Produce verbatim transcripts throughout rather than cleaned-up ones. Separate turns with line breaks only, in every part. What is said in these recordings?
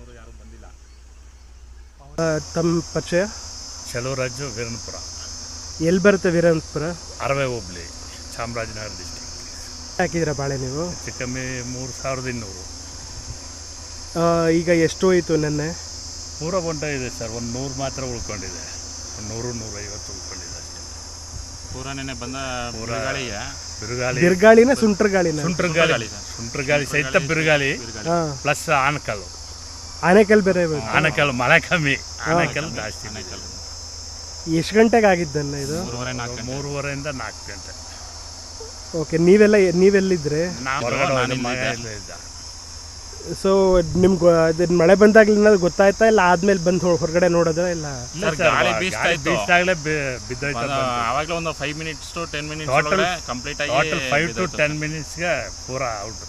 ನಮ್ಮವರು ಯಾರೂ ಬಂದಿಲ್ಲ.
ತಮ್ಮ ಪರಿಚಯ?
ಚಲುವರಾಜು, ವೀರನಪುರ.
ಎಲ್ಲಿ ಬರುತ್ತೆ ವೀರನಪುರ?
ಅರವೆ ಹೋಬಳಿ, ಚಾಮರಾಜನಗರ ಡಿಸ್ಟಿಕ್.
ಹಾಕಿದ್ದೀರಾ ಬಾಳೆ ನೀವು?
ಹೆಚ್ಚು ಕಮ್ಮಿ ಮೂರು ಸಾವಿರದ ಇನ್ನೂರು.
ಈಗ ಎಷ್ಟು ಹೋಯಿತು ನೆನ್ನೆ?
ಪೂರ ಬಂಟ ಇದೆ ಸರ್, ಒಂದು ನೂರು ಮಾತ್ರ ಉಳ್ಕೊಂಡಿದೆ. ಒಂದು ನೂರು ನೂರೈವತ್ತು ಉಳ್ಕೊಂಡಿದೆ ಅಷ್ಟೇ.
ಪೂರ ನೆನ್ನೆ ಬಂದ ಬಿರುಗಾಳಿಗೆ
ಬಿರುಗಾಳಿ
ಬಿರುಗಾಳಿನ ಸುಂಟ್ರ ಗಾಳಿನ?
ಸುಂಟ್ರ ಗಾಳಿ, ಸುಂಟ್ರ ಗಾಳಿ ಸಹಿತ ಬಿರುಗಾಳಿ ಪ್ಲಸ್ ಆನಕಲ್ಲು.
ಆನೆಕಲ್ ಬೇರೆ?
ಆನಕಲ್ಲು ಮಳೆ ಕಮ್ಮಿ, ಆನಕಲ್ಲು ಜಾಸ್ತಿ.
ಆನೆಕಲ್ಲು
ಎಷ್ಟು ಗಂಟೆಗೆ ಆಗಿದ್ದನ್ನ ಇದು?
ಮೂರುವರೆ ನಾಲ್ಕು ಗಂಟೆ.
ಮೂರುವರೆಯಿಂದ ನಾಲ್ಕು ಗಂಟೆ.
ಓಕೆ, ನೀವೆಲ್ಲ ನೀವೆಲ್ಲಿದ್ದರೆ? ಸೊ ನಿಮ್ಗೆ ಅದು ಮಳೆ ಬಂದಾಗಲಿ ಏನಾದ್ರು ಗೊತ್ತಾಯ್ತಾ, ಇಲ್ಲ ಆದ್ಮೇಲೆ ಬಂದು ಹೊರಗಡೆ ನೋಡೋದ್ರ? ಇಲ್ಲ
ಗಾಳಿ ಬೀಸ್ತಾ ಇತ್ತು,
ಬಿದ್ದೋಯ್ತು.
ಆವಾಗಲೇ ಒಂದು five minutes to ten minutes
total
complete ಆಗಿ
ಟೋಟಲ್ ಫೈವ್ ಟು ಟೆನ್ ಮಿನಿಟ್ಸ್ಗೆ ಪೂರ ಔಟ್.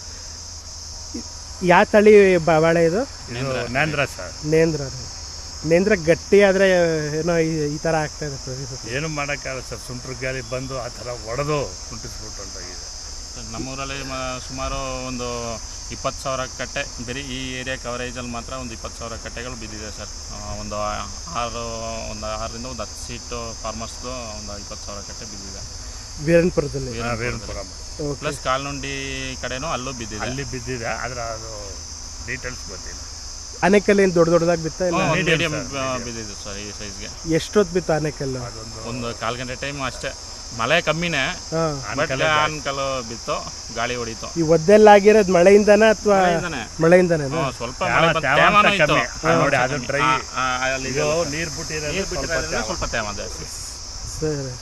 ಯಾವ ತಳಿ ಬಾಳೆ ಇದು?
ನೇಂದ್ರ ಸರ್.
ನೇಂದ್ರ. ನೇಂದ್ರ ಗಟ್ಟಿ ಆದರೆ ಏನೋ ಈ ಥರ ಆಗ್ತಾ ಇದೆ.
ಏನು ಮಾಡೋಕ್ಕಾಗಲ್ಲ ಸರ್, ಸುಂಟ್ರ ಗಾಳಿ ಬಂದು ಆ ಥರ ಒಡೆದು ಕುಂಟಿಸ್ಬಿಟ್ಟು ಹೊಂಟೋಗಿದೆ.
ನಮ್ಮೂರಲ್ಲಿ ಸುಮಾರು ಒಂದು ಇಪ್ಪತ್ತು ಸಾವಿರ ಕಟ್ಟೆ, ಬರೀ ಈ ಏರಿಯಾ ಕವರೇಜಲ್ಲಿ ಮಾತ್ರ ಒಂದು ಇಪ್ಪತ್ತು ಸಾವಿರ ಕಟ್ಟೆಗಳು ಬಿದ್ದಿದೆ ಸರ್. ಒಂದು ಆರು ಒಂದು ಆರರಿಂದ ಒಂದು ಹತ್ತು ಸೀಟು ಫಾರ್ಮರ್ಸ್ದು ಒಂದು ಇಪ್ಪತ್ತು ಸಾವಿರ ಕಟ್ಟೆ ಬಿದ್ದಿದೆ
ವೀರನಪುರದಲ್ಲಿ.
ವೀರನಪುರ
ಪ್ಲಸ್ ಕಾಲ್ನುಂಡಿ ಕಡೆನೂ ಅಲ್ಲೂ ಬಿದ್ದಿದೆ.
ಅಲ್ಲಿ ಬಿದ್ದಿದೆ, ಆದರೆ ಅದು ಡೀಟೇಲ್ಸ್ ಗೊತ್ತಿಲ್ಲ.
ಆನೆಕಲ್ಲು ಏನು ದೊಡ್ಡ ದೊಡ್ಡದಾಗಿ ಬಿತ್ತಾ? ಇಲ್ಲ
ಮೀಡಿಯಂ ಬಿದ್ದಿದೆ ಸರ್ ಈ ಸೈಜ್ಗೆ.
ಎಷ್ಟೊತ್ತು ಬಿತ್ತು ಆನೆಕಲ್ಲು?
ಒಂದು ಕಾಲು ಗಂಟೆ ಟೈಮ್ ಅಷ್ಟೇ. ಮಳೆ ಕಮ್ಮಿನೇ, ಬಟ್ ಆನೆಕಲ್ಲು ಬಿತ್ತು, ಗಾಳಿ ಹೊಡಿತು.
ಈ ಒದ್ದೆಲ್ಲ ಆಗಿರೋದು ಮಳೆಯಿಂದನೇ ಅಥವಾ ಮಳೆಯಿಂದನೇ?
ಸ್ವಲ್ಪ ತೇವಾನು ಇತ್ತು
ನೋಡಿ, ಅದು ಡ್ರೈ
ನೀರು ಬಿಟ್ಟಿರೋದ್ರಿಂದ ಸ್ವಲ್ಪ ತೇವ ಜಾಸ್ತಿ.
ಸರಿ,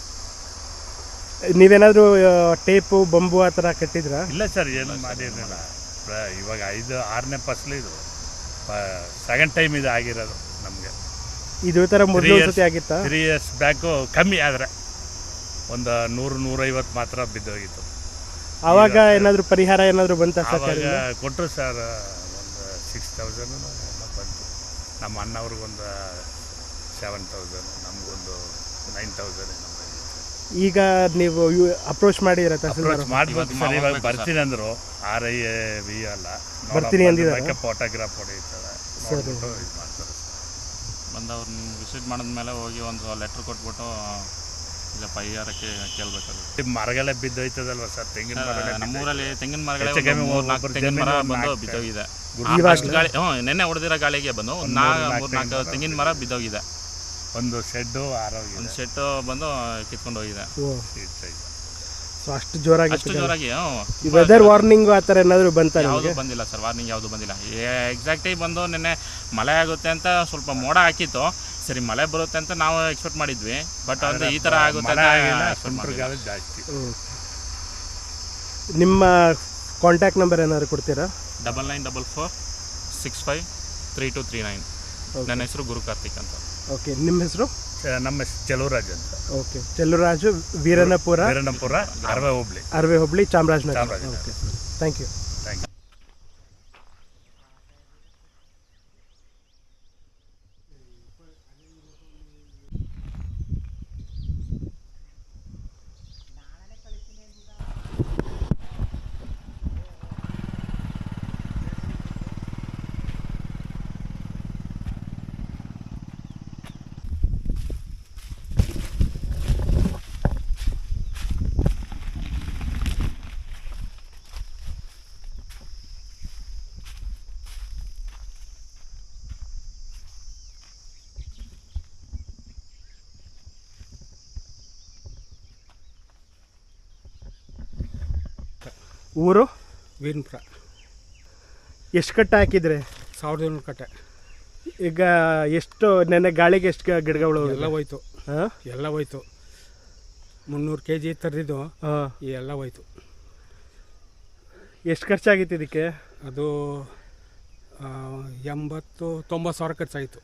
ನೀವೇನಾದರೂ ಟೇಪು ಬಂಬು ಆ ಥರ ಕಟ್ಟಿದ್ರಾ?
ಇಲ್ಲ ಸರ್, ಏನು ಮಾಡಿರಲಿಲ್ಲ. ಇವಾಗ ಐದು ಆರನೇ ಫಸಲು ಇದು, ಸೆಕೆಂಡ್ ಟೈಮ್ ಇದು ಆಗಿರೋದು ನಮಗೆ.
ಇದು ಥರ ಮೊದಲು ಸತಿ ಆಗಿತ್ತಾ?
ತ್ರೀ ಇಯರ್ಸ್ ಬ್ಯಾಕು ಕಮ್ಮಿ, ಆದರೆ ಒಂದು ನೂರು ನೂರೈವತ್ತು ಮಾತ್ರ ಬಿದ್ದೋಗಿತ್ತು.
ಆವಾಗ ಏನಾದರೂ ಪರಿಹಾರ ಏನಾದರೂ ಬಂತ? ಸರ್ಕಾರ
ಕೊಟ್ಟರು ಸರ್, ಒಂದು ಸಿಕ್ಸ್ ತೌಸಂಡ್ ಬಂತು. ನಮ್ಮ ಅಣ್ಣವ್ರಿಗೊಂದು ಸೆವೆನ್ ತೌಸಂಡ್, ನಮಗೊಂದು ನೈನ್ ತೌಸಂಡ್.
ಈಗ ನೀವು ಅಪ್ರೋಚ್ ಮಾಡಿದ್ರೆ
ಅಪ್ರೋಚ್ ಮಾಡ್ಬೇಕು ಸರ್, ಇವಾಗ ಬರ್ತೀನಿ ಅಂದರು. ಆರ್ ಐ ಎ ವಿ ಅಲ್ಲ,
ಬರ್ತೀನಿ ಅಂದಿದ್ದಾರೆ.
ಫೋಟೋಗ್ರಾಫ್ ಹೊಡೆಯುತ್ತದೆ, ಇದು ಮಾಡ್ತಾರೆ.
ಬಂದು ಅವ್ರನ್ನ ವಿಸಿಟ್ ಮಾಡಿದ್ಮೇಲೆ ಹೋಗಿ ಒಂದು ಲೆಟ್ರ್ ಕೊಟ್ಬಿಟ್ಟು ಇಲ್ಲ ಪರಿಹಾರಕ್ಕೆ ಕೇಳಬೇಕಾಗುತ್ತೆ.
ಮರಗಳೇ ಬಿದ್ದೋಯ್ತದಲ್ವ ಸರ್, ತೆಂಗಿನ ಮರ.
ನಮ್ಮೂರಲ್ಲಿ ತೆಂಗಿನ ಮರಗಳೇ ನಾಲ್ಕು ತೆಂಗಿನ ಮರ ಬಂದು ಬಿದ್ದೋಗಿದೆ. ಗಾಳಿ ಹ್ಞೂ ನೆನ್ನೆ ಹೊಡೆದಿರೋ ಗಾಳಿಗೆ ಬಂದು ನಾ ಮೂರು ನಾಲ್ಕು ತೆಂಗಿನ ಮರ ಬಿದ್ದೋಗಿದೆ.
ಒಂದು ಶೆಡ್ಡು ಆರೋಗ್ಯ
ಒಂದು ಶೆಡ್ಡು ಬಂದು ಕಿತ್ಕೊಂಡು ಹೋಗಿದೆ.
ಸೊ ಅಷ್ಟು ಜೋರಾಗಿ
ಅಷ್ಟು ಜೋರಾಗಿ
ವೆದರ್ ವಾರ್ನಿಂಗ್ ಆ ಥರ ಏನಾದರೂ ಬಂತ?
ಯಾವುದು ಬಂದಿಲ್ಲ ಸರ್, ವಾರ್ನಿಂಗ್ ಯಾವುದು ಬಂದಿಲ್ಲ. ಎಕ್ಸಾಕ್ಟಾಗಿ ಬಂದು ನಿನ್ನೆ ಮಳೆ ಆಗುತ್ತೆ ಅಂತ ಸ್ವಲ್ಪ ಮೋಡ ಹಾಕಿತ್ತು. ಸರಿ, ಮಳೆ ಬರುತ್ತೆ ಅಂತ ನಾವು ಎಕ್ಸ್ಪೆಕ್ಟ್ ಮಾಡಿದ್ವಿ, ಬಟ್ ಅಂದರೆ ಈ ಥರ ಆಗುತ್ತೆ ಅಂತ
ಜಾಸ್ತಿ.
ನಿಮ್ಮ ಕಾಂಟ್ಯಾಕ್ಟ್ ನಂಬರ್ ಏನಾದ್ರು ಕೊಡ್ತೀರಾ?
Double nine double four six five three two three nine. ನನ್ನ ಹೆಸರು ಗುರು ಕಾರ್ತಿಕ್ ಅಂತ.
ಓಕೆ, ನಿಮ್ಮ ಹೆಸರು?
ನಮ್ಮ ಹೆಸರು ಚಲುವರಾಜ್ ಅಂತ.
ಓಕೆ, ಚಲುವರಾಜು, ವೀರನಪುರ.
ವೀರನಪುರ, ಅರವೆ ಹೋಬಳಿ.
ಅರವೆ ಹೋಬಳಿ, Chamarajanagar. Okay, thank you.
Thank you.
ಊರು?
ವೀರನಪುರ.
ಎಷ್ಟು ಕಟ್ಟೆ ಹಾಕಿದ್ರೆ?
ಸಾವಿರದ ಏಳ್ನೂರು ಕಟ್ಟೆ.
ಈಗ ಎಷ್ಟು ನೆನ್ನೆ ಗಾಳಿಗೆ ಎಷ್ಟು ಗಿಡಗಳು?
ಎಲ್ಲ ಹೋಯ್ತು.
ಹಾಂ,
ಎಲ್ಲ ಹೋಯ್ತು. ಮುನ್ನೂರು ಕೆ ಜಿ ತರದಿದ್ದು
ಹಾಂ,
ಎಲ್ಲ ಹೋಯ್ತು.
ಎಷ್ಟು ಖರ್ಚಾಗಿತ್ತು ಇದಕ್ಕೆ?
ಅದು ಎಂಬತ್ತು ತೊಂಬತ್ತು ಸಾವಿರ ಖರ್ಚಾಗಿತ್ತು.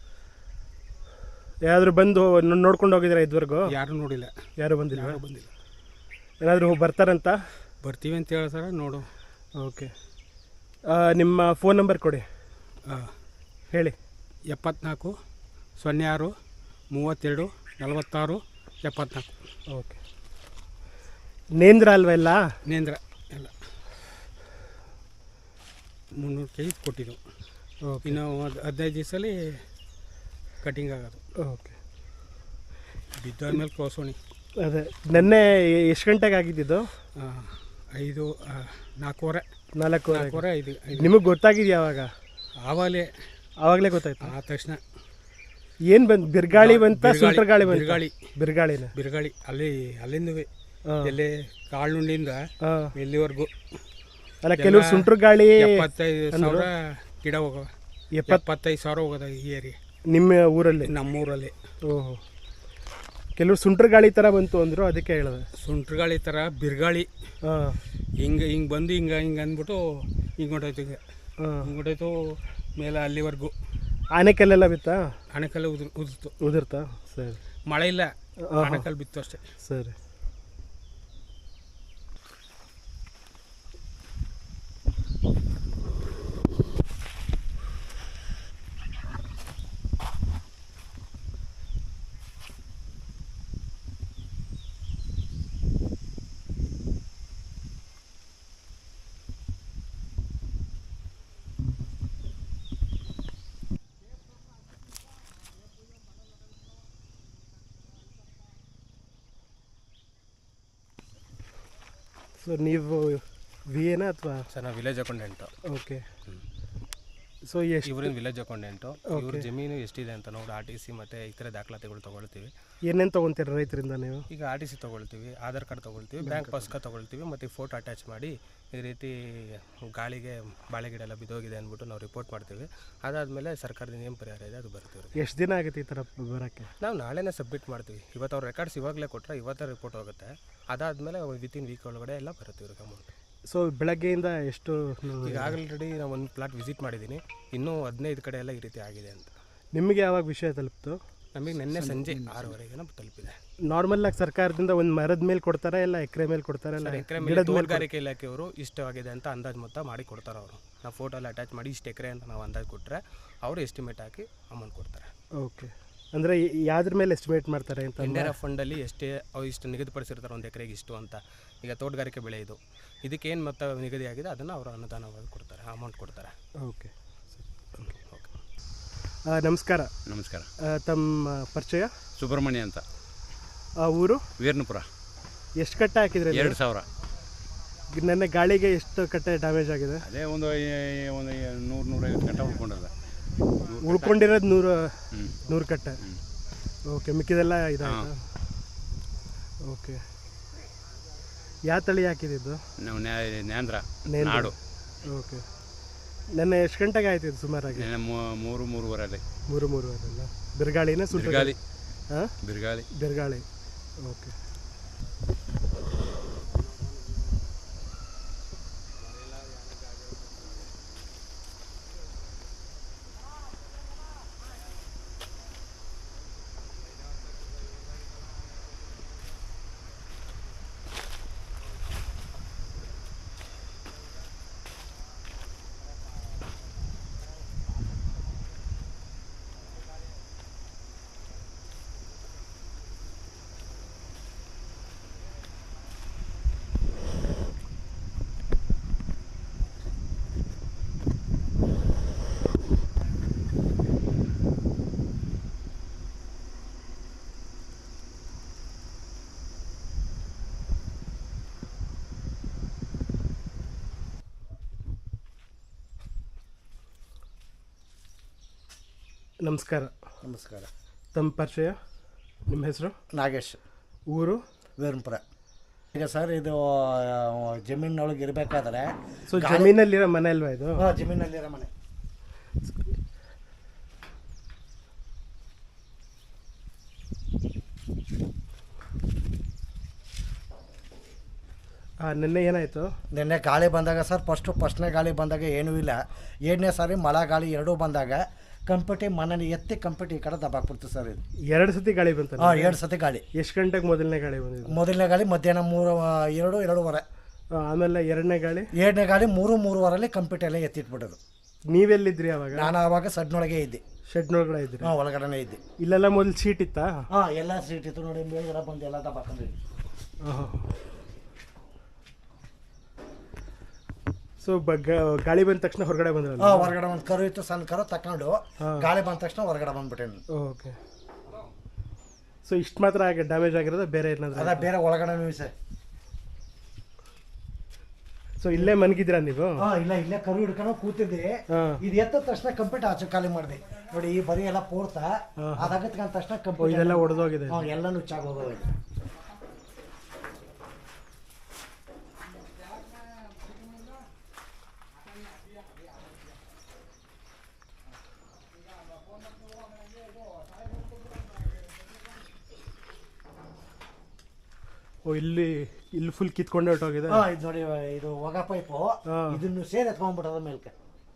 ಯಾರಾದರೂ ಬಂದು ನೋಡ್ಕೊಂಡು ಹೋಗಿದ್ರೆ ಇದುವರೆಗೂ?
ಯಾರೂ ನೋಡಿಲ್ಲ.
ಯಾರು ಬಂದಿಲ್ಲ?
ಯಾರೂ ಬಂದಿಲ್ಲ.
ಏನಾದರೂ ಬರ್ತಾರಂತ?
ಬರ್ತೀವಿ ಅಂತ ಹೇಳ್ತಾರೆ, ನೋಡು.
ಓಕೆ, ನಿಮ್ಮ ಫೋನ್ ನಂಬರ್ ಕೊಡಿ.
ಹಾಂ,
ಹೇಳಿ.
ಎಪ್ಪತ್ನಾಲ್ಕು ಸೊನ್ನೆ ಆರು ಮೂವತ್ತೆರಡು ನಲವತ್ತಾರು ಎಪ್ಪತ್ನಾಲ್ಕು.
ಓಕೆ, ನೇಂದ್ರ ಅಲ್ವ ಎಲ್ಲ?
ನೇಂದ್ರ ಎಲ್ಲ ಮುನ್ನೂರು ಕೆ ಜಿ ಕೊಟ್ಟಿದ್ದು.
ಓಕೆ
ಇನ್ನು ಒಂದು ಹದಿನೈದು ದಿವಸದಲ್ಲಿ ಕಟಿಂಗ್ ಆಗೋದು.
ಓಕೆ
ಬಿದ್ದಾದ್ಮೇಲೆ ಕ್ರೋಸೋಣಿ.
ಅದೇ ನೆನ್ನೆ ಎಷ್ಟು ಗಂಟೆಗೆ ಆಗಿದ್ದಿದ್ದು?
ಆ, ಐದು ಆ, ನಾಲ್ಕೂವರೆ
ನಾಲ್ಕು
ನಾಲ್ಕೂವರೆ ಐದು ಐದು
ನಿಮಗೆ ಗೊತ್ತಾಗಿದೆಯಾ ಅವಾಗ?
ಆವಾಗಲೇ
ಆವಾಗಲೇ ಗೊತ್ತಾಯ್ತು.
ಆದ ತಕ್ಷಣ
ಏನು ಬಂತು? ಬಿರುಗಾಳಿ ಬಂತ,
ಬಿರುಗಾಳಿ-
ಸುಂಟರ್ ಗಾಳಿ ಬಂತ?
ಬಿರುಗಾಳಿ
ಬಿರುಗಾಳಿನ
ಬಿರುಗಾಳಿ ಅಲ್ಲಿ ಅಲ್ಲಿಂದವೇ
ಹಾಂ
ಎಲ್ಲೇ ಕಾಳುಂಡಿಂದ
ಹಾಂ.
ಎಲ್ಲಿವರೆಗೂ
ಅಲ್ಲ, ಕೆಲವು ಸುಂಟರ್ ಗಾಳಿ
ಎಪ್ಪತ್ತೈದು ಸಾವಿರ ಗಿಡ ಹೋಗವ.
ಎಪ್ಪತ್ತು
ಎಪ್ಪತ್ತೈದು ಸಾವಿರ ಹೋಗೋದ ಈ ಏರಿಯಾ
ನಿಮ್ಮ ಊರಲ್ಲಿ?
ನಮ್ಮೂರಲ್ಲಿ.
ಓಹೋ, ಕೆಲವರು ಸುಂಟರ್ ಗಾಳಿ ಥರ ಬಂತು ಅಂದರು, ಅದಕ್ಕೆ ಹೇಳಿದೆ.
ಸುಂಟ್ರ ಗಾಳಿ ಥರ ಬಿರುಗಾಳಿ
ಹಾಂ
ಹಿಂಗೆ ಹಿಂಗೆ ಬಂದು ಹಿಂಗೆ ಹಿಂಗೆ ಅಂದ್ಬಿಟ್ಟು ಹಿಂಗೆ ಹೊಂಟೋಯ್ತು. ಹಿಂಗೆ
ಹಾಂ.
ಹಿಂಗೆ ಹೊಂಟೋಯ್ತು ಮೇಲೆ ಅಲ್ಲಿವರೆಗೂ.
ಆನೆಕಲ್ಲೆಲ್ಲ ಬಿತ್ತಾ?
ಆನೆಕಲ್ಲು ಉದುರ್ ಉದುರ್ತು.
ಉದುರ್ತಾ? ಸರಿ.
ಮಳೆ ಇಲ್ಲ,
ಹಾಂ.
ಆನೆಕಲ್ಲು ಬಿತ್ತು ಅಷ್ಟೇ.
ಸರಿ. ಸೊ ನೀವು ವಿ ಎನಾ ಅಥವಾ?
ಸರ್ ನಾವು ವಿಲೇಜ್ ಅಕೌಂಟೆಂಟು.
ಓಕೆ. ಸೊ ಎಷ್ಟು
ಇವರಿನ ವಿಲೇಜ್ ಅಕೌಂಟೆಂಟು. ಇವ್ರ ಜಮೀನು ಎಷ್ಟಿದೆ ಅಂತ ನೋಡಿ ಆರ್ ಟಿ ಸಿ ಮತ್ತು ಇತರೆ ದಾಖಲಾತಿಗಳು ತೊಗೊಳ್ತೀವಿ.
ಏನೇನು ತೊಗೊತೀರ ರೈತರಿಂದ ನೀವು?
ಈಗ ಆರ್ ಟಿ ಸಿ ತೊಗೊಳ್ತೀವಿ, ಆಧಾರ್ ಕಾರ್ಡ್ ತೊಗೊಳ್ತೀವಿ, ಬ್ಯಾಂಕ್ ಪಾಸ್ಕ ತೊಗೊಳ್ತೀವಿ, ಮತ್ತು ಫೋಟೋ ಅಟ್ಯಾಚ್ ಮಾಡಿ ಈ ರೀತಿ ಗಾಳಿಗೆ ಬಾಳೆಗಿಡ ಎಲ್ಲ ಬಿದ್ದೋಗಿದೆ ಅಂದ್ಬಿಟ್ಟು ನಾವು ರಿಪೋರ್ಟ್ ಮಾಡ್ತೀವಿ. ಅದಾದಮೇಲೆ ಸರ್ಕಾರದ ಏನು ಪರಿಹಾರ ಇದೆ ಅದು ಬರ್ತೀವಿ.
ಎಷ್ಟು ದಿನ ಆಗುತ್ತೆ ಈ ಥರ ಬರೋಕ್ಕೆ?
ನಾವು ನಾಳೆನೇ ಸಬ್ಮಿಟ್ ಮಾಡ್ತೀವಿ. ಇವತ್ತು ಅವ್ರ ರೆಕಾರ್ಡ್ಸ್ ಇವಾಗಲೇ ಕೊಟ್ಟರೆ ಇವತ್ತೇ ರಿಪೋರ್ಟ್ ಹೋಗುತ್ತೆ. ಅದಾದಮೇಲೆ ವಿತಿನ್ ವೀಕ್ ಒಳಗಡೆ ಎಲ್ಲ ಬರುತ್ತೆ ಇವ್ರಿಗೆ ಅಮೌಂಟ್.
ಸೊ ಬೆಳಗ್ಗೆಯಿಂದ ಎಷ್ಟು?
ಈಗ ಆಲ್ರೆಡಿ ನಾವು ಒಂದು ಪ್ಲಾಟ್ ವಿಸಿಟ್ ಮಾಡಿದ್ದೀನಿ, ಇನ್ನೂ ಹದಿನೈದು ಕಡೆ ಎಲ್ಲ ಈ ರೀತಿ ಆಗಿದೆ ಅಂತ.
ನಿಮಗೆ ಯಾವಾಗ ವಿಷಯ ತಲುಪ್ತು?
ನಮಗೆ ನಿನ್ನೆ ಸಂಜೆ ಆರೂವರೆಗೆ ತಲುಪಿದೆ.
ನಾರ್ಮಲ್ ಆಗಿ ಸರ್ಕಾರದಿಂದ ಒಂದು ಮರದ ಮೇಲೆ ಕೊಡ್ತಾರೆ, ಇಲ್ಲ ಎಕರೆ ಮೇಲೆ ಕೊಡ್ತಾರೆ, ಇಲ್ಲ
ಎಕರೆ ಮೇಲೆ ತೋಟಗಾರಿಕೆ ಇಲಾಖೆಯವರು ಇಷ್ಟವಾಗಿದೆ ಅಂತ ಅಂದಾಜು ಮೊತ್ತ ಮಾಡಿ ಕೊಡ್ತಾರೆ. ಅವರು ನಾವು ಫೋಟೋ ಎಲ್ಲ ಅಟ್ಯಾಚ್ ಮಾಡಿ ಇಷ್ಟು ಎಕರೆ ಅಂತ ನಾವು ಅಂದಾಜು ಕೊಟ್ಟರೆ ಅವರು ಎಸ್ಟಿಮೇಟ್ ಹಾಕಿ ಅಮೌಂಟ್ ಕೊಡ್ತಾರೆ.
ಓಕೆ. ಅಂದರೆ ಯಾವ್ದ್ರ ಮೇಲೆ ಎಸ್ಟಿಮೇಟ್ ಮಾಡ್ತಾರೆ ಅಂತ?
ಇಂಡಿಯಾ ಫಂಡಲ್ಲಿ ಎಷ್ಟೇ ಅವ್ರು ಇಷ್ಟು ನಿಗದಿಪಡಿಸಿರ್ತಾರೆ ಒಂದು ಎಕರೆಗೆ ಇಷ್ಟು ಅಂತ. ಈಗ ತೋಟಗಾರಿಕೆ ಬೆಳೆ ಇದು, ಇದಕ್ಕೇನು ಮೊತ್ತ ನಿಗದಿ ಆಗಿದೆ ಅದನ್ನು ಅವರು ಅನುದಾನವಾಗಿ ಕೊಡ್ತಾರೆ, ಅಮೌಂಟ್ ಕೊಡ್ತಾರೆ.
ಓಕೆ.
ಓಕೆ.
ನಮಸ್ಕಾರ.
ನಮಸ್ಕಾರ.
ತಮ್ಮ ಪರಿಚಯ?
ಸುಬ್ರಹ್ಮಣ್ಯ ಅಂತ.
ಆ ಊರು?
ವೀರ್ನಪುರ.
ಎಷ್ಟು ಕಟ್ಟೆ ಹಾಕಿದ್ರೆ?
ಎರಡು ಸಾವಿರ.
ನೆನ್ನೆ ಗಾಳಿಗೆ ಎಷ್ಟು ಕಟ್ಟೆ ಡ್ಯಾಮೇಜ್ ಆಗಿದೆ?
ಅದೇ ಒಂದು ಒಂದು ನೂರು ನೂರೈವತ್ತು ಕಟ್ಟೆ ಉಳ್ಕೊಂಡದ.
ಉಳ್ಕೊಂಡಿರೋದು ನೂರು ನೂರು ಕಟ್ಟೆ. ಓಕೆ. ಮಿಕ್ಕಿದೆಲ್ಲ ಇದಾಯ್ತಾ? ಓಕೆ. ಯಾವ ತಳಿ ಹಾಕಿದ್ದು?
ನಾವು ನ್ಯಾಂದ್ರ
ನೇಂದ್ರ.
ನಾಡು.
ಓಕೆ. ನೆನ್ನೆ ಎಷ್ಟು ಗಂಟೆಗೆ ಆಯ್ತು ಇದು ಸುಮಾರಾಗಿ?
ನೆನ್ನೆ ಮೂರು ಮೂರುವರೆಲ್ಲಿ.
ಮೂರು ಮೂರುವರೆಲ್ಲ ಬಿರುಗಾಳಿನ? ಸುಂಟರ್
ಬಿರುಗಾಳಿ.
ಹಾಂ,
ಬಿರುಗಾಳಿ.
ಬಿರುಗಾಳಿ. ಓಕೆ. ನಮಸ್ಕಾರ.
ನಮಸ್ಕಾರ.
ತಮ್ಮ ಪರಿಚಯ? ನಿಮ್ಮ ಹೆಸರು?
ನಾಗೇಶ್.
ಊರು?
ವೀರಪುರ. ಈಗ ಸರ್ ಇದು ಜಮೀನೊಳಗೆ ಇರಬೇಕಾದ್ರೆ,
ಸೊ ಜಮೀನಲ್ಲಿರೋ ಮನೆ ಅಲ್ವಾ ಇದು?
ಹಾಂ, ಜಮೀನಲ್ಲಿರೋ ಮನೆ.
ಹಾಂ. ನಿನ್ನೆ ಏನಾಯಿತು?
ನಿನ್ನೆ ಗಾಳಿ ಬಂದಾಗ ಸರ್, ಫಸ್ಟು ಫಸ್ಟ್ನೇ ಗಾಳಿ ಬಂದಾಗ ಏನೂ ಇಲ್ಲ. ಎರಡನೇ ಸಾರಿ ಮಳೆ ಗಾಳಿ ಎರಡೂ ಬಂದಾಗ ಕಂಪ್ಯೂಟಿ ಮನೇಲಿ ಎತ್ತಿ ಕಂಪ್ಯೂಟಿ ಈ ಕಡೆ ದಬ್ಬಾಕ್ಬಿಡ್ತು ಸರ್ ಇದು.
ಎರಡು ಸತಿ ಗಾಳಿ ಬಂತ?
ಹಾಂ, ಎರಡು ಸತಿ ಗಾಳಿ.
ಎಷ್ಟು ಗಂಟೆಗೆ ಮೊದಲನೇ ಗಾಳಿ ಬಂದಿದ್ದು?
ಮೊದಲನೇ ಗಾಳಿ ಮಧ್ಯಾಹ್ನ ಮೂರು ಎರಡು ಎರಡೂವರೆ.
ಆಮೇಲೆ ಎರಡನೇ ಗಾಳಿ?
ಎರಡನೇ ಗಾಳಿ ಮೂರು ಮೂರುವರೆಲ್ಲಿ ಕಂಪ್ಯೂಟಿ ಎಲ್ಲ ಎತ್ತಿಟ್ಬಿಡೋದು.
ನೀವೆಲ್ಲಿದ್ರಿ ಅವಾಗ?
ನಾನು ಆವಾಗ ಸಡ್ನೊಳಗೆ ಇದ್ದೆ.
ಶೆಡ್ನೊಳಗಡೆ ಇದ್ರಿ?
ಹಾಂ, ಒಳಗಡೆನೇ ಇದ್ದೆ.
ಇಲ್ಲೆಲ್ಲ ಮೊದಲು ಸೀಟ್ ಇತ್ತಾ?
ಹಾಂ, ಎಲ್ಲ ಸೀಟ್ ಇತ್ತು ನೋಡಿ, ಮೇಲ್ಗಡೆ ಬಂದು ಎಲ್ಲ ದಬ್ಬಾಕೊಂಡಿದ್ವಿ.
ಹಾಂ. ಸೊ ಗಾಳಿ ಬಂದ ತಕ್ಷಣ ಹೊರಗಡೆ ಬಂದ್ರಲ್ಲ?
ಹಾಂ, ಹೊರಗಡೆ ಒಂದು ಕರು ಇತ್ತು, ಸಣ್ಣ ಕರು ತಗೊಂಡು ಗಾಳಿ ಬಂದ ತಕ್ಷಣ ಹೊರಗಡೆ ಬಂದ್ಬಿಟ್ಟೇನು.
ಓಕೆ. ಸೊ ಇಷ್ಟು ಮಾತ್ರ ಆಗಿ ಡ್ಯಾಮೇಜ್ ಆಗಿರೋದು, ಬೇರೆ ಏನಾದರೂ?
ಅದ ಬೇರೆ ಒಳಗಡೆ ಸರ್.
ಸೊ ಇಲ್ಲೇ ಮನ್ಗಿದ್ದೀರಾ ನೀವು?
ಹಾಂ, ಇಲ್ಲ ಇಲ್ಲೇ ಕರು ಹಿಡ್ಕೊಂಡು ಕೂತಿದ್ದೆ. ಇದು ಎತ್ತ ತಕ್ಷಣ ಕಂಪ್ಲೀಟ್ ಆಚೆ ಖಾಲಿ ಮಾಡಿದೆ ನೋಡಿ. ಈ ಬರೀ ಎಲ್ಲ ಪೋರ್ತಾ ಅದಾಗತ್ಕೊಂಡ ತಕ್ಷಣ ಕಂಪ್ಲೀಟ್
ಇದೆಲ್ಲ ಹೊಡೆದೋಗಿದೆ.
ಹಾಂ, ಎಲ್ಲ ನುಚ್ಚಾಗೋಗಿದೆ.
ಓ, ಇಲ್ಲಿ ಇಲ್ಲಿ ಫುಲ್ ಕಿತ್ಕೊಂಡೆ ಹೊರಟೋಗಿದೆ.
ಹಾಂ, ಇದು ನೋಡಿ, ಇದು ಹೊಗ ಪೈಪು ಇದನ್ನು ಸೇರಿ ಎತ್ಕೊಂಡ್ಬಿಟ್ಟದ ಮೇಲ್ಕೆ.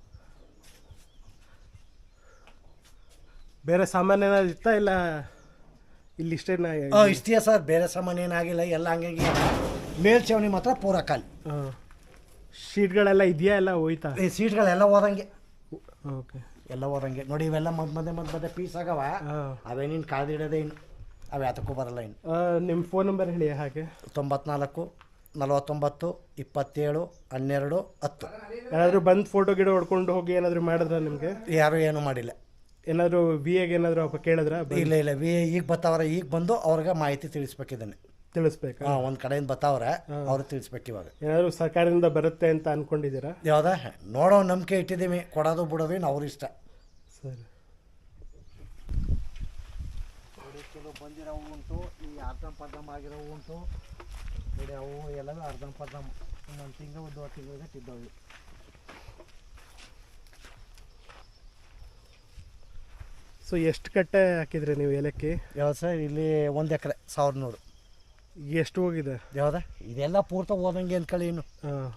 ಬೇರೆ ಸಾಮಾನ್ಯ ಏನಾದ್ರು ಇತ್ತಾ ಇಲ್ಲ ಇಲ್ಲಿ ಇಷ್ಟೇನ?
ಹಾಂ, ಇಷ್ಟೇ ಸರ್, ಬೇರೆ ಸಾಮಾನು ಏನಾಗಿಲ್ಲ, ಎಲ್ಲ ಹಂಗೆ ಮೇಲ್ಛಾವಣಿ ಮಾತ್ರ ಪೂರ ಖಾಲಿ.
ಹಾಂ, ಶೀಟ್ಗಳೆಲ್ಲ ಇದೆಯಾ, ಎಲ್ಲ ಹೋಯ್ತಾ?
ಈ ಸೀಟ್ಗಳೆಲ್ಲ ಹೋದಂಗೆ.
ಓಕೆ,
ಎಲ್ಲ ಹೋದಂಗೆ ನೋಡಿ. ಇವೆಲ್ಲ ಮದ್ ಮಧ್ಯೆ ಮದ್ ಮಧ್ಯೆ ಪೀಸ್ ಆಗವ, ಅವೇನಿನ್ ಕಾದಿಡೋದೇ ಇನ್ನು, ಅವು ಯಾತಕ್ಕೂ ಬರಲ್ಲ ಇನ್ನು.
ನಿಮ್ಮ ಫೋನ್ ನಂಬರ್ ಹೇಳಿ. ಹಾಗೆ
ತೊಂಬತ್ನಾಲ್ಕು ನಲವತ್ತೊಂಬತ್ತು ಇಪ್ಪತ್ತೇಳು ಹನ್ನೆರಡು ಹತ್ತು.
ಯಾರಾದರೂ ಬಂದು ಫೋಟೋ ಗಿಡ ಹೊಡ್ಕೊಂಡು ಹೋಗಿ ಏನಾದರೂ ಮಾಡಿದ್ರ ನಿಮಗೆ?
ಯಾರೂ ಏನೂ ಮಾಡಿಲ್ಲ.
ಏನಾದರೂ ವಿ ಎಗೆ ಏನಾದರೂ ಅಪ್ಪ ಕೇಳಿದ್ರ?
ಇಲ್ಲ ಇಲ್ಲ, ವಿ ಈಗ ಬರ್ತಾವ್ರೆ, ಈಗ ಬಂದು ಅವ್ರಿಗೆ ಮಾಹಿತಿ ತಿಳಿಸ್ಬೇಕಿದ್ದಾನೆ.
ತಿಳಿಸ್ಬೇಕಾ?
ಹಾಂ, ಒಂದು ಕಡೆಯಿಂದ ಬರ್ತಾವ್ರೆ, ಅವ್ರು ತಿಳಿಸ್ಬೇಕು. ಇವಾಗ
ಏನಾದರೂ ಸರ್ಕಾರದಿಂದ ಬರುತ್ತೆ ಅಂತ ಅನ್ಕೊಂಡಿದ್ದೀರಾ?
ಯಾವ್ದ ನೋಡೋ ನಂಬಿಕೆ ಇಟ್ಟಿದ್ದೀವಿ, ಕೊಡೋದು ಬಿಡೋದು ಇನ್ನು ಅವ್ರ ಇಷ್ಟ.
ಸರಿ.
ಬಂದಿರೋ ಉಂಟು, ಈ ಅರ್ಧಂ ಪರ್ಧಂ ಆಗಿರೋ ಉಂಟು ನೋಡಿ. ಅವು ಎಲ್ಲವೂ ಅರ್ಧಂ ಪರ್ಧಂ ಒಂದು ತಿಂಗಳು ಒಂದು ತಿಂಗಳಿಗೆ ತಿದ್ದವು.
ಸೊ ಎಷ್ಟು ಕಟ್ಟೆ ಹಾಕಿದ್ರಿ ನೀವು ಏಲಕ್ಕಿ?
ಯಾವ್ದು ಸರ್? ಇಲ್ಲಿ ಒಂದು ಎಕರೆ ಸಾವಿರದ ನೂರು.
ಎಷ್ಟು ಹೋಗಿದೆ?
ಯಾವ್ದ ಇದೆಲ್ಲ ಪೂರ್ತಿ ಹೋದಂಗೆ ಅಂದ್ಕೊಳ್ಳಿ ಇನ್ನು.
ಹಾಂ,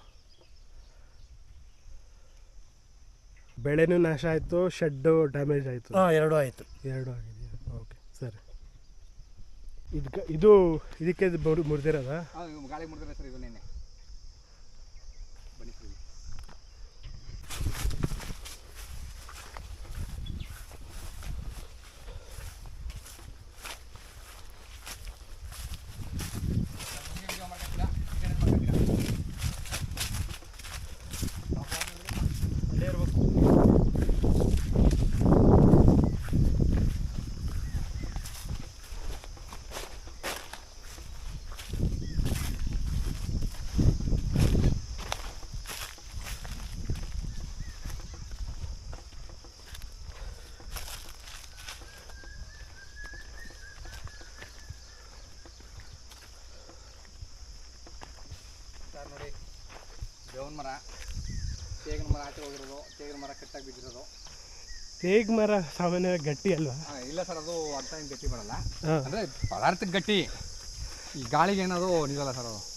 ಬೆಳೆನೂ ನಾಶ ಆಯಿತು, ಶೆಡ್ಡು ಡ್ಯಾಮೇಜ್ ಆಯಿತು.
ಹಾಂ, ಎರಡೂ ಆಯಿತು.
ಎರಡು ಆಗಿದೆಯಾ? ಓಕೆ, ಸರಿ. ಇದು ಇದು ಇದಕ್ಕೆ ಮುರಿದಿರೋದಾ?
ಗಾಳಿ ಮುರಿದ್ರೆ ಸರ್, ಇದು ನೆನ್ನೆ ಬನ್ನಿ ಸರ್. ನೋಡಿ, ಬೇವಿನ ಮರ, ತೇಗಿನ ಮರ ಆಚೆ ಹೋಗಿರೋದು, ತೇಗಿನ ಮರ ಕಟ್ಟಾಗಿ ಬಿದ್ದಿರೋದು.
ತೇಗ್ ಮರ ಸಾಮಾನ್ಯವಾಗಿ ಗಟ್ಟಿ ಅಲ್ವಾ?
ಇಲ್ಲ ಸರ್, ಅದು ಅರ್ಥ ಏನು ಗಟ್ಟಿ ಬರಲ್ಲ, ಅಂದರೆ ಪದಾರ್ಥಕ್ಕೆ ಗಟ್ಟಿ, ಈ ಗಾಳಿಗೆ ಏನದು ನಿಲ್ಲಲ್ಲ ಸರ್ ಅದು.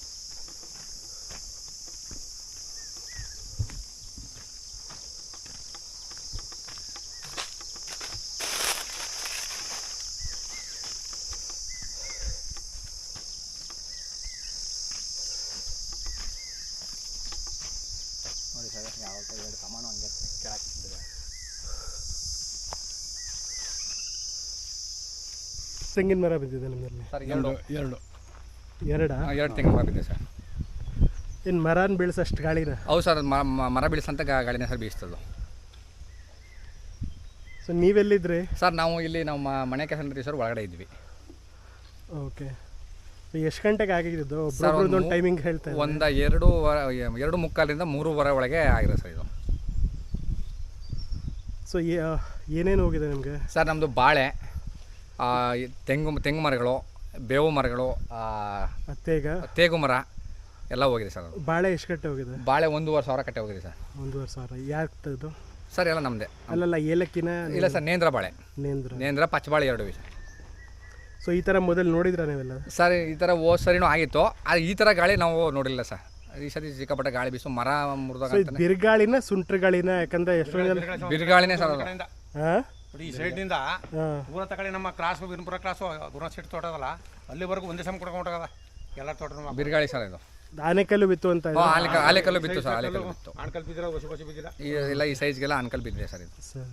ನೋಡಿ ಸರ್, ಯಾವ ಎರಡು ಕಮಾನು ಹಂಗೆ ಕೆಳಾಕಿಟ್ಟಿದೆ.
ತೆಂಗಿನ ಮರ ಬಿದ್ದಿದೆ ನಿಮ್ಮಲ್ಲಿ?
ಸರ್ ಎರಡು
ಎರಡು
ಎರಡಾ?
ಎರಡು ತೆಂಗಿನ ಮರ ಬಿದ್ದಿದೆ ಸರ್.
ಇನ್ನು ಮರನ ಬೀಳ್ಸೋಷ್ಟು ಗಾಳಿನ?
ಹೌದು ಸರ್, ಮರ ಬೀಳಿಸಂತ ಗಾಳಿನೇ ಸರ್ ಬೀಳಿಸ್ತದ್ದು.
ಸೊ ನೀವೆಲ್ಲಿದ್ರಿ
ಸರ್? ನಾವು ಇಲ್ಲಿ ನಮ್ಮ ಮನೆ ಕೆಲಸ ನಡೆಸಿ ಸರ್, ಒಳಗಡೆ ಇದ್ವಿ.
ಓಕೆ. ಎಷ್ಟು ಗಂಟೆಗೆ ಆಗಿದ್ದು? ಒಬ್ಬರೊಬ್ಬರದ್ದು ಒಂದು ಟೈಮಿಂಗ್ ಹೇಳ್ತಾ ಇದ್ದಾರೆ.
ಒಂದು ಎರಡು ಎರಡು ಮುಕ್ಕಾಲಿಂದ ಮೂರುವರೆ ಒಳಗೆ ಆಗಿರೋ ಸರ್ ಇದು.
ಸೊ ಏನೇನು ಹೋಗಿದೆ ನಿಮಗೆ?
ಸರ್ ನಮ್ಮದು ಬಾಳೆ, ತೆಂಗು ತೆಂಗು ಮರಗಳು, ಬೇವು ಮರಗಳು,
ತೇಗ
ತೇಗು ಮರ ಎಲ್ಲ ಹೋಗಿದೆ ಸರ್. ಅದು
ಬಾಳೆ ಎಷ್ಟು ಕಟ್ಟೆ ಹೋಗಿದೆ?
ಬಾಳೆ ಒಂದೂವರೆ ಸಾವಿರ ಕಟ್ಟೆ ಹೋಗಿದೆ ಸರ್.
ಒಂದೂವರೆ ಸಾವಿರ ಯಾಕೆ?
ಸರ್ ಎಲ್ಲ ನಮ್ಮದೇ.
ಅಲ್ಲಲ್ಲ, ಏಲಕ್ಕಿನ?
ಇಲ್ಲ ಸರ್, ನೇಂದ್ರ ಬಾಳೆ.
ನೇಂದ್ರ
ನೇಂದ್ರ ಪಚ್ಚಬಾಳೆ ಎರಡು ಸರ್.
ಸೊ ಈ ಥರ ಮೊದಲು ನೋಡಿದ್ರ ನೀವೆಲ್ಲ?
ಸರ್ ಈ ಥರ ಹೋದ ಸರಿನೂ ಆಗಿತ್ತು, ಆದರೆ ಈ ಥರ ಗಾಳಿ ನಾವು ನೋಡಿಲ್ಲ ಸರ್. ಈ ಸತಿ ಸಿಕ್ಕಾಪಟ್ಟೆ ಗಾಳಿ ಬೀಸು, ಮರ ಮುರಿದಾಗ
ಬಿರುಗಾಳಿನ ಸುಂಟ್ರ ಗಾಳಿನ? ಯಾಕಂದ್ರೆ ಎಷ್ಟೊಂದು
ಬಿರುಗಾಳಿನೇ ಸರ್ ಅದು.
ಹಾಂ,
ಈ ಸೈಡ್ನಿಂದ ಪೂರ ತಗೊಳ್ಳಿ ನಮ್ಮ ಕ್ರಾಸ್ ಬಿರ್ಪುರ ಕ್ರಾಸು ಗುರುನಾಥ ಶೆಟ್ಟಿ ತೋಟ ಅದಲ್ಲ, ಅಲ್ಲಿವರೆಗೂ ಒಂದೇ ಸಮ ಕೊಡ್ಕೊಂಡು ಹೊಂಟದ ಎಲ್ಲ ತೋಟ.
ಬಿರುಗಾಳಿ ಸರ್ ಇದು.
ಆನೆಕಲ್ಲು ಬಿತ್ತು ಅಂತ?
ಆಲೆಕಲ್ಲು ಬಿತ್ತು ಸರ್, ಆಲೆಕಲ್ಲು ಬಿತ್ತು.
ಆಣ್ಕಲ್ ಬಿದ್ದಿಲ್ಲ, ಹೊಸ ಹೊಸ ಬಿದ್ದಿಲ್ಲ.
ಇಲ್ಲ, ಈ ಸೈಜ್ಗೆಲ್ಲ ಆನ್ಕಲ್ ಬಿದ್ದಿದೆ ಸರ್ ಇದು.
ಸರ್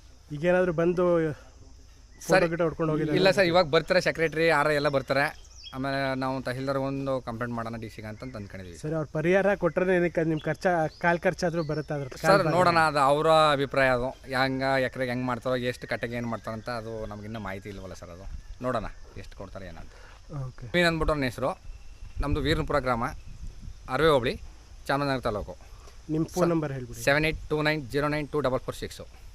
ಈಗೇನಾದರೂ ಬಂದು
ಸರ್
ಗಿಡ ಹೊಡ್ಕೊಂಡು ಹೋಗಿಲ್ಲ?
ಇಲ್ಲ ಸರ್, ಇವಾಗ ಬರ್ತಾರೆ ಸೆಕ್ರೆಟ್ರಿ ಆರ ಎಲ್ಲ ಬರ್ತಾರೆ, ಆಮೇಲೆ ನಾವು ತಹಸೀಲ್ದಾರ್ ಒಂದು ಕಂಪ್ಲೇಂಟ್ ಮಾಡೋಣ ಡಿ ಸಿಗೆ ಅಂತ ಅಂದ್ಕೊಂಡಿದ್ದೀವಿ.
ಸರ್ ಅವ್ರು ಪರಿಹಾರ ಕೊಟ್ಟರೆ ಏನಕ್ಕೆ ನಿಮ್ಮ ಖರ್ಚು ಕಾಲು ಖರ್ಚಾದರೂ ಬರುತ್ತೆ ಅದ್ರ
ಸರ್ ನೋಡೋಣ, ಅದು ಅವರ ಅಭಿಪ್ರಾಯ. ಅದು ಹೆಂಗೆ ಎಕರೆಗೆ ಹೆಂಗೆ ಮಾಡ್ತಾರೋ, ಎಷ್ಟು ಕಟ್ಟೆಗೆ ಏನು ಮಾಡ್ತಾರಂತ ಅದು ನಮಗಿನ್ನೂ ಮಾಹಿತಿ ಇಲ್ವಲ್ಲ ಸರ್. ಅದು ನೋಡೋಣ ಎಷ್ಟು ಕೊಡ್ತಾರೆ ಏನಂತ.
ಓಕೆ.
ಮೀನು ಅಂದ್ಬಿಟ್ಟು ನನ್ನ ಹೆಸರು. ನಮ್ಮದು ವೀರನಪುರ ಗ್ರಾಮ, ಅರವೆ ಹೋಬಳಿ, ಚಾಮರಾಜನಗರ ತಾಲೂಕು.
ನಿಮ್ಮ ಫೋನ್ ನಂಬರ್ ಹೇಳ್ಬಿಡಿ.
Seven eight two nine zero nine two double four six.